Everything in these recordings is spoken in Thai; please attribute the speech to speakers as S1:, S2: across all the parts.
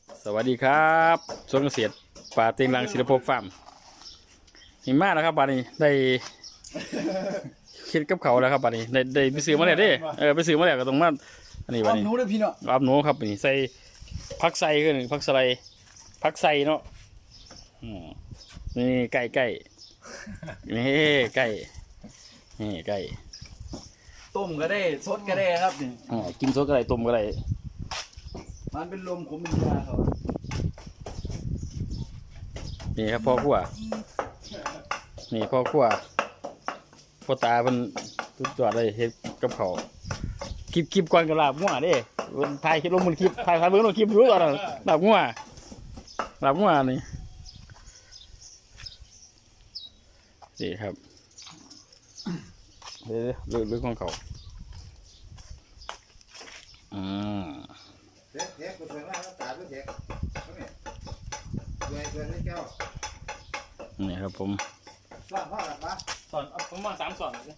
S1: สวัสดีครับสวนเกษตรป่าเต็งรังศิลปภพฟาร์มหิมะนะครับป่านนี้ได้คิดกับเขาแล้วครับป่านนี้ได้ไปซื้อมาแล้วเด้ไปซื้อมาแล้วก็ต้องมาอันนี้ป่านนี้
S2: หนูเลยพี่เนาะ
S1: รับหนูครับนี่ใส่ผักใส่ขึ้นผักสไลด์ผักใส่เนาะนี่ไก่นี่ไก่นี่ไก่
S2: ต้มก็ได้สดก็ได้ครับนี่
S1: กินสดก็ได้ต้มก็ได้
S2: มันเป็นลมขมเป็นยาเขา
S1: นี่ครับพ่อขั้วนี่พ่อขั้วพ่อตาเป็นสุดยอดเลยเฮ็ดกับเขาวคลิปก่อนกับลาบงัวเด้ถ่ายคลิปลงบนคลิปถ่ายเบิ่งลงคลิปรู้ก่อนลาบงัวนี่ครับเรื่องของเขา
S3: เทปกูสวยมากแล้วตาด้วยเทปนี่สวยให้เจ้า
S1: นี่ครับผม
S3: สอนพ่อหลับปะ
S1: สอนผมมา3 สอนเลย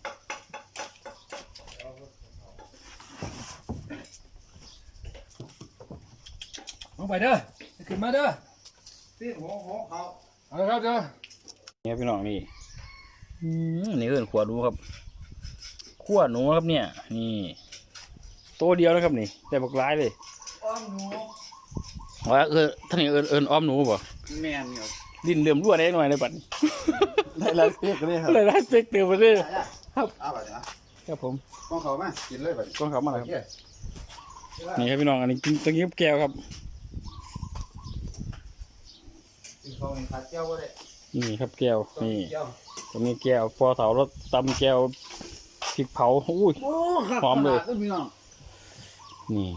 S2: ลงไปเด้อขึ้นมาเด้อ
S3: ตีนหัวเขา
S2: เอาละครับเด้อ
S1: นี่ครับพี่น้องนี่นี่คือขัวหนูครับขัวหนูครับเนี่ยนี่ตัวเดียวนะครับนี่แต่บักร้ายเลย
S2: อ้อมหนู
S1: ว่าท่านนี่เอิญอ้อมหนูบ่
S2: แมนครับ
S1: ดินเหลื่อมรั่วได้หน่อยเลยบัดนี้
S2: ได้ลายเปียกเลยครับ
S1: เลยได้เซ็กเต็มไปเลย
S3: เอาไปนะครับ
S1: ผม
S3: กองเขามากินเลยไป
S1: กล้องเขามาแล้วครับนี่ครับพี่น้องอันนี้กินตะกี้แก้วครับ
S3: กินเขาเองขาดเจ้าก็ได้
S1: นี่ครับแก้วนี่
S3: เจ้า
S1: ตรงนี้แก้วพอเสารถตำแก้วพริกเผาอุ้ย
S2: โอ้ครับ
S1: หอมเลย
S2: พี่น้อง
S1: นี่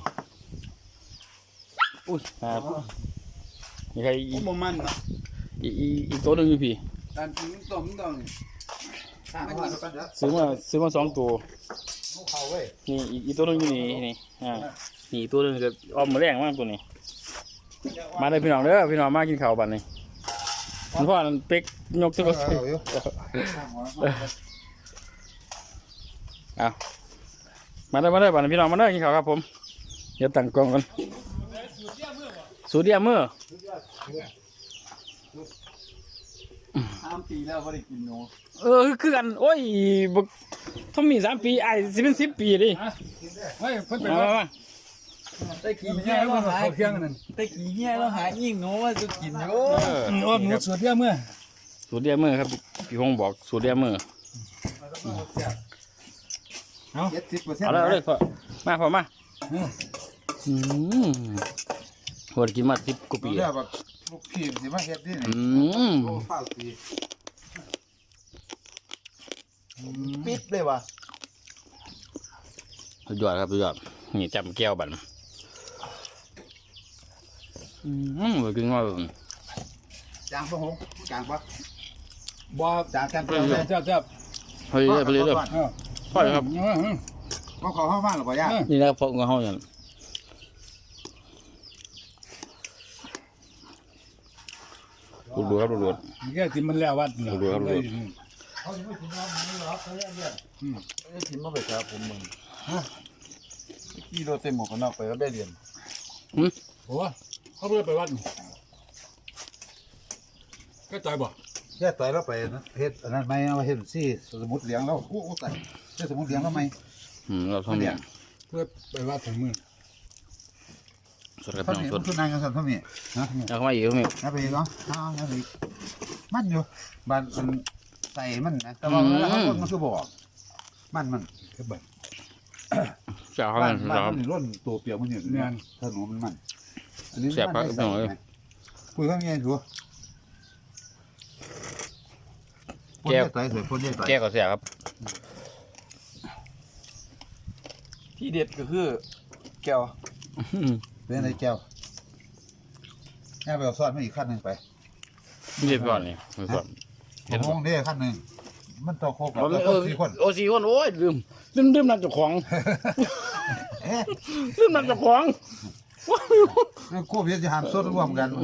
S1: อุ้ยครับนี่ใคร
S2: โอ้บ่มันเนาะ
S1: อีกตัวหนึงอยู่พี่
S2: การกินต้มต้อง
S3: ข้างหัวกันนะ
S1: ซื้อมา2 ตัว
S3: หัวเขาเว้ย
S1: นี่อีกตัวหนึงอยู่นี่นี่นี่อีกตัวหนึงจะอ้อมมาแรงมากตัวนี้ มาเลยพี่น้องเด้อพี่น้องมากินข้าวบัดนี้คุณพ่อนั่นเป็กยกตัวก็
S3: เอาอยู่ข้างหัว
S1: เอามาเลยบัดนี้พี่น้องมาเลยกินข้าวครับผมเดี๋ยวตั้งกล้องกันสูตรเดียวมือ
S2: 3 ปีแล้วบ่ได้กินหนู
S1: คือกันโอ้ยบักถ้ามี3 ปีไอ้สิเป็น10 ปีดิ
S2: เฮ้ยเพิ่นไป
S1: มา
S2: ว่า
S1: มา
S2: ตะกี้เฮียเราหาเที่ยงนั่นตะกี้เฮียเราหายิ่งหนูว่าจะกินอยู่อ้อมหนูสดเดียวเมื่อ
S1: สูตรเดียวมือครับพี่พงษ์บอกสูตรเดียวมือ
S3: 70%
S1: เอาเลยพ่อมาโหดกินมา10 กว่าปี
S3: เรียกว่าลูกพี่สิมาเฮ็ดนี่โอ้ฟ้าปีปิดเลยว่ะ
S1: สุดยอดครับสุดยอดนี่จำแก้วบันไปกินว่า
S3: จางปะหงจางปะ
S2: บ่
S3: จางกัน
S2: จับ
S1: เฮ้ยไปเลยพ่อครับ
S3: ก็ขอเข้าบ้านหรือเปล่าย่า
S1: นี่นะครับพกเงาอย่างดูครับดู
S2: แค่กินมันแล้ววัด
S1: ดูครับ
S3: เขาจะไม่ถึงน้ำนี่หรอเขาเรียกเรียกไม่ถึงมาไปครับผมมึงขี่รถเต็มหมวกกันน็อกไปก็ได้เรียน
S2: โอ้เขาเพื่อไปวัดก็ใจบ่
S3: แค่ต่อยแล้วไปนะเฮ็ดอันนั้นไม่เอาเฮ็ดซี่สมุดเหลียงแล้วโอ้ตายเฮ็ดสมุดเหลียงแล้วไหม
S1: เราทำเนี่ย
S2: เพื่อไปวัดถึงมือ
S1: สดกับ
S3: ท่าน
S1: น้อง
S3: นี่
S1: สด
S3: ทุนนายกันสันท่านนี่นะ
S1: แล้วเข้ามาอีกมั้ย
S3: นะไปอีกเนาะเอาไปอีกมันอยู่บ้านมันใส่มันนะแต่ว่าแล้วคนมันคือบอกมันคือแบบ
S1: จะเข้า
S3: บ้า
S1: กัน น
S3: บ้าน
S1: ครับ
S3: มันร่นตัวเปียกมันอยู่เนี่ยถนนมันอันนี้
S1: แสบปากหน่อย
S3: คุยข้างในชัวแก้วต่อยสวยพ่นเยอะต่อย
S1: แก้ก็เสียครับ
S2: ที่เด็ดก็คือแก้ว
S3: เป็นอะไรแก้วแก้วไปเอาซ้อนมาอีกขั้นหนึ่งไป
S1: เรียบร้อยนี่ก่อน
S3: ผมมองได้ขั้นหนึ่งมันต่อโคกับสี่คน
S1: โอ้4 คนโอ้ยลืมนับเจ้าของ
S3: เอ๊ะ
S1: ลืมนับเจ้าของ
S3: ควบเยอะจะหามสดร่วมกัน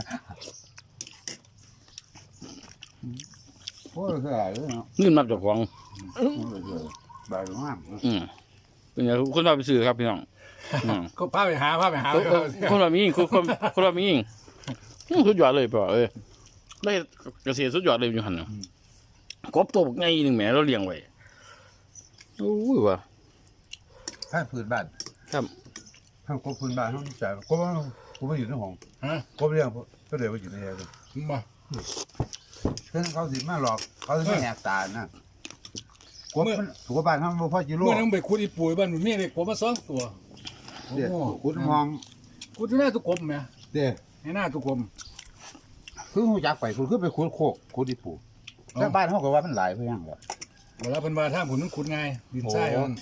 S3: โอ้ยคืออะไรเนาะ
S1: ลืมนับเจ้าของ
S3: บายมาก
S1: เป็นไงคุณว่าไปซื้อครับพี่น้อง
S2: ก็พาไปหา
S1: คนเรามียิงคนเรามียิงสุดยอดเลยป่ะได้เกษตรสุดยอดเลยอยู่หันกบตัวไงหนึ่งแหมเราเลี้ยงไว้โอ้ยว่ะ
S3: ถ้าพื้นบ้าน
S1: ครับ
S3: ถ้ากบพื้นบ้านเขาจ่ายกบกูไม่อยู่ในห้องกบเลี้ยงก็เลยว่าอยู่ในแอร์เลย
S2: มา
S3: เพื่อนเขาสิมาหลอกเขาสิมาแหกตานะกบมันถูกบ้านเขาบ่พอจิโร่
S2: เมื่อนั้นไปขุดอีปุ๋ยบ้านมันมีเด็กผมมา2ตัว
S3: เดี๋ยวขุดมอง
S2: ขุดที่หน้าตุกกลมไหม
S3: เดี๋ยว
S2: ในหน้าตุกกลม
S3: คือหูจักไปคุณคือไปขุดโคกขุดอีปูแต่บ้านเขาก็ว่ามันหลายเพื่อนแล้ว
S2: เวลาเพิ่นว่าถ้าผมนั้นขุดง่ายดินทรายมัน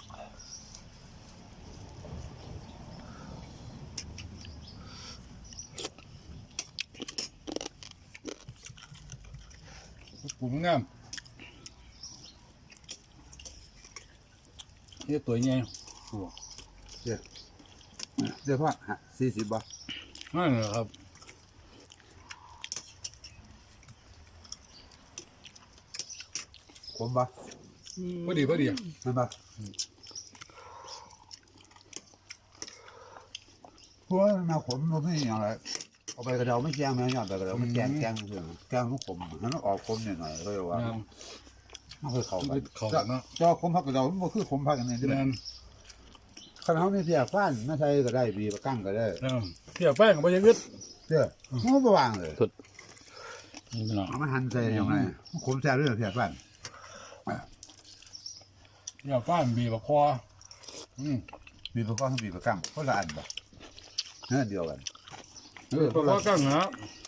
S2: ปลูกงามนี่ตัวใหญ่
S3: เดี๋ยวพ่อ40บ่
S2: นั่นแหละครับ
S3: ผมบ่
S2: พอดี
S3: มันบ่เพราะว่าแนวผมมันไม่อย่างไรเอาไปกระเดาไม่แจ้งแม่ยอดไปกระเดาไม่แจ้งเพื่อนแจ้งลูกผมมันออกผมหน่อยๆเลยว่ามันเคยเข้าไป
S2: เขาเนาะ
S3: จอผมพักกระเดามันคือผมพักกันนี่ใช่ไหม
S2: นั่น
S3: คันเขาไม่เสียฟ้านไม่ใช่ก็ได้บีประกั้งก็ได้
S2: เที่ยวแป้งก็บ่ยังอึด
S3: เจ้ามันบ่วางเลย
S1: นี่พี่น้อง
S3: เอามาหั่นใส่ยังไงผมแซ่บด้วยเสียฟ้าน
S2: เที่ยวแป้งบีบคอ
S3: บีประกั้งบีประกั้งคนละอันบ่เนื้อเดียวกัน
S2: ตัวคอกั้งนะ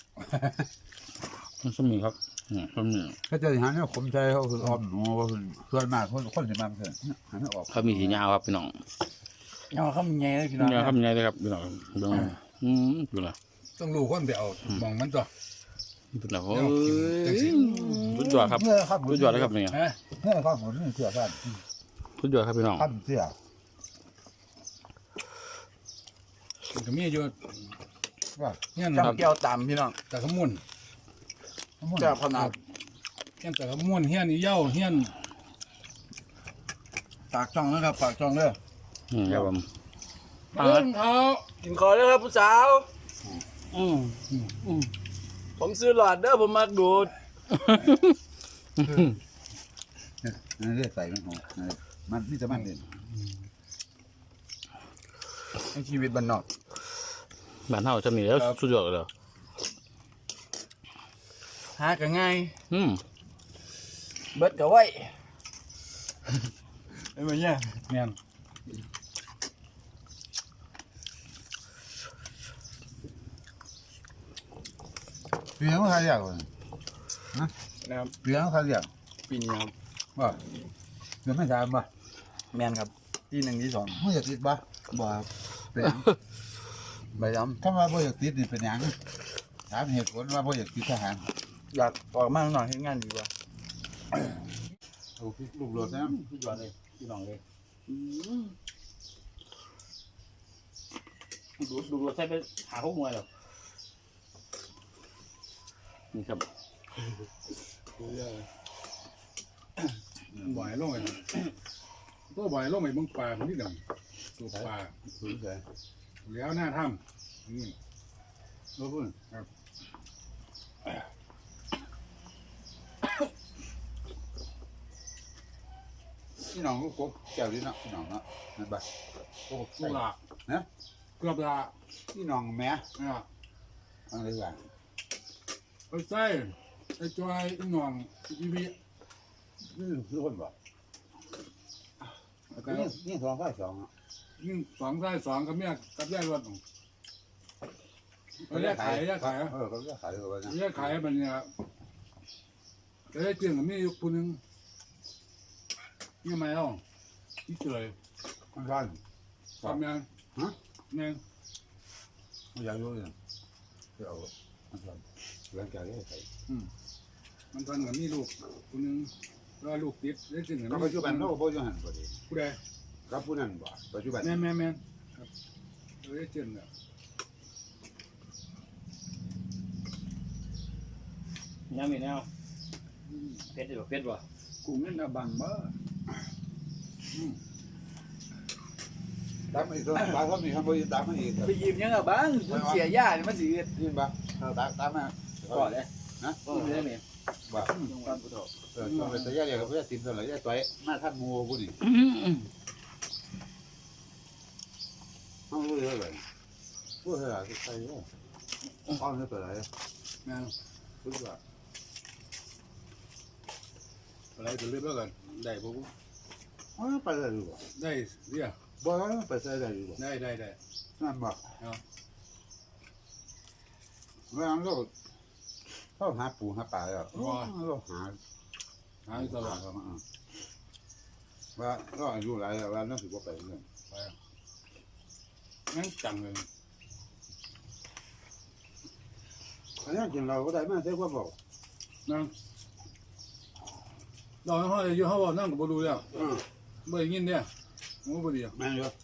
S1: มันสมีครับสมี
S3: ถ้าเจออย่างนี้ผมใช้เขาคือออมหนูว่าเพื่อนมากคนจะมาเพื่อนหันไม่ออก
S1: เขามีสียาวครับพี่น้อง
S2: เอาข้ามใหญ่เลยพี่น้อง
S1: ยาวครับยังไงเลยครับพี่น้องดูดูละ
S2: ต้องรู้คนไปเอามองมันตัว
S1: ดูละโอ้ยสุดยอดครับสุดยอดเลยครับเนี่ย
S2: ฮะ
S3: เนื้อข้าวหมูนี่เสียฟ้าน
S1: สุดยอดครับพี่น้อง
S3: ข้าวเสีย
S2: มันก็มีอยู่
S3: ว่า
S2: เงี้ย
S4: จำแก้วต่ำพี่น้อง
S2: แต่ขมุน
S4: แก้วขนาด
S2: เงี้ยแต่ขมุนเงี้ยนี่เย้าเงี้ย
S4: ปากช่องนะครับปากช่องเด้อ
S1: ครับผม
S2: เอิ้นเขา
S4: กินขอเลยครับผู้สาว ผมซื้อหลอดเด้อผมมักดูด
S3: นี่เรียกใส่มันหอมมันนี่จะมันเด่น
S4: ในชีวิตบ้านนอก
S1: บ้านเฮาจะมีแล้วสุดยอดเลย
S4: หากันง่าย
S1: อืม
S4: เบิดกับไว้เป็นไงเนี่ย
S2: เงี้ย
S3: เปลี่ยนเขาเรียกว่า
S4: นะครับ
S3: เปลี่ยนเขาเรียก
S4: ปีนี้ครับ
S3: ว่าเดี๋ยวไม่ถามบ่
S4: แมนครับที่1ที่2
S3: ไม่อยากติดบ่
S4: บ่ครับ
S3: เป็น
S4: ใบย้
S3: ถ้าว่าบ่อยากติดนี่เป็นหยังถามเหตุผลว่าบ่อยากติดทหาร
S4: ำอยากออกมาข้างนอกให้งานดีกว่า
S3: โอ้ลูกโลดนะ
S1: สุดยอดเลยพี่น้องเลยดูใส่ไปหาพวกมวยหรอนี่ครับ
S2: บ่อยลงไปตัวบ่อยลงไปเบิ่งปลาคนนี้ดังสูบปลา
S3: รู้ใจ
S2: แล้วหน้าถ้ำนี่
S3: รู้พุ่นพี่น้องก็กบแก้วนี่เนาะพี่น้องเนาะนั่นบ่กบ
S2: ลู
S3: ใส่
S2: กละ
S3: นะ
S2: เกือบละ
S3: พี่น้องแม่
S2: อ่ะ
S3: อะไรว่า
S2: ไปใส่ไอ้จอยไอ้หน่องอีวี
S3: นี่คือคนบ่
S2: แต่
S3: นี่สองฝ่ายสองอ่ะ
S2: นี่2 ใส่2กับเมียกับยายรถแยกขาย
S3: เขาจะขายเลยว่านะ
S2: แยกขายมันเนี่ยแต่ได้เจียงกับเมียอยู่คนนึงนี่มาแล้วที่เฉย
S3: มันร้อน
S2: ทำยังยัง
S3: ไม่อยากรู้เลยเดี๋ยวมันร้อนเรื่องแก่ใส่
S2: มันทำกับมีลูกคนนึงแล้วลูกติดได้เจียงกับ
S3: ก็ปัจจุบันเราปัจจุบันพอดี
S2: ผู้ใด
S3: กับผู้นั้นบ่ปัจจุบัน
S2: แม่ครับได้เจียงเนี่ย
S1: ยังมีแนวเพชรเพชรวะ
S2: กูเงินอาบังบ่
S4: ต
S3: ตามอีกตัวตามเขามีคำพูดตามมาอีก
S2: ไปยืมยังอ่ะบ้างเสียยาเนี่ยมันสิ
S3: ยินบ่ตามมา
S2: ก่อนเลย
S3: นะ
S2: ก็ไม่ได้เนี่ย
S3: บ่ช่วงเป็นระยะเดียวกับเพื่อนติมตัวไหนระยะตัวมาท่านงูกูนี่เอาเลยพูดเถอะใส่เนี่ยอ้อมตัวไหน
S2: นะ
S3: พูดว่า
S5: อะไรจะเรียบร้อยกันได้ผม
S3: อ๋อไปได้ดูบ่
S5: ได้เรีย
S3: บ่ไปใส่ได้ดูบ่
S5: ได้ได้ได้
S3: นั่นบ่
S5: เอา
S3: เมื่อนั้นก็เข้าหาปูหาปลาแล้วก็หา
S5: หาอยู่ตลอด
S3: ว่าก็อายุหลายแล้วว่าน่าสิบ่ไปเรื่อง
S5: งั้นจังเลย
S3: อันนี้กินเราก็ได้มาใช่ว่าบอก
S5: นั่งเราห้องอยู่ห้องนั่งกับบดูแล้วบ่ได้ยินเนี่ยมันบ่ดี
S3: แม่นอยู่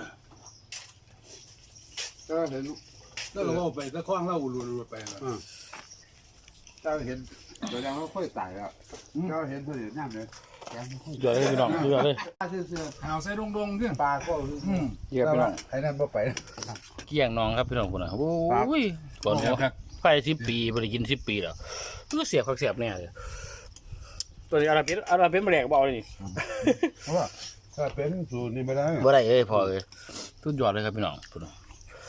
S3: ก็เห็น
S5: แล้วเราไปตะคว้างเราลุยไปแล้ว
S3: ก็เห็นตัวยังเขาค่อยตายแล้วก็เห็นเพื่อนนั่งเลยแกไม่ค่อย
S1: เดี๋ยวเลยพี่น้องเดี๋ยวเลย
S3: เสื้อ
S5: หาวใส่ดงๆขึ้น
S3: ปลาก็
S1: เกี่ยวพี่น้อง
S3: ไอ้นั่นบ่ไป
S1: เกี่ยงน้องครับพี่น้องคนน่ะโอ้ยก่อนหัวไป10 ปีบ่ได้กิน10 ปีแล้วก็เสียบคักเสียบแน่เลยตัวนี้อาราเปนมาแหลกบ่เอาเลยนี่
S3: เพราะว่าถ้าเป็นสูตรนี่ไม่ได้
S1: บ่ได้เอ้ยพอเอ้ยสุดยอดเลยครับพี่น้องพุ่นน่ะ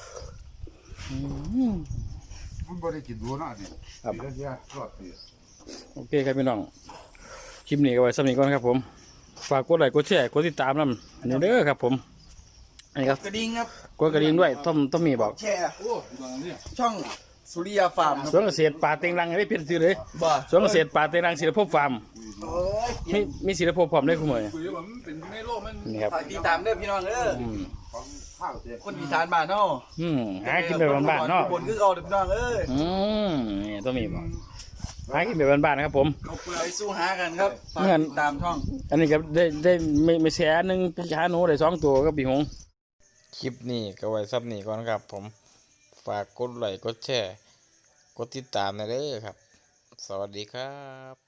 S3: มันบ่ได้กินดูนะนี่ครับเสียรอดสิ
S1: โอเคครับพี่น้องคลิปนี้ก็ไว้สำหรับนี้ก่อนครับผมฝากกดไลค์กดแชร์กดติดตามนำอันนี้เด้อครับผมอันนี้ครับ
S4: กระดิ่งครับ
S1: กดกระดิ่งด้วยต้มมีบอก
S4: แชร์
S5: โอ้ตอนนี้
S4: ช่องสุริยาฟาร์ม
S1: สวนเกษตรป่าเต็งรังให้ได้เปลี่ยนชื่อเลย
S4: บ่
S1: สวนเกษตรป่าเต็งรังศิลปภพฟาร์ม
S4: โอ้ย
S1: มีศิลปภพพร้อมได้คุณหมอ
S5: คุยว่ามันเป็นในโลกมัน
S1: นี่ครับ
S4: ฝากติดตามเด้อพี่น้องเด้อ
S1: อืม
S3: ของข้าวเสีย
S4: คนอีสานบ้านเนาะ
S1: หากินแบบบ้านๆเนาะ
S4: บนคือเอาเด้อพี่น้องเอ้ย
S1: นี่ต้มมีบอกหากินแบบบ้านๆนะครับผม
S4: ไปสู้หากันครับฝากติดตามช่อง
S1: อันนี้ก็ได้ไม่แสนหนึ่งไปหาหนูได้2 ตัวก็ปีหงคลิปนี้ก็ไว้ซับนี้ก่อนครับผมฝากกดไลค์กดแชร์กดติดตามนะเด้อครับสวัสดีครับ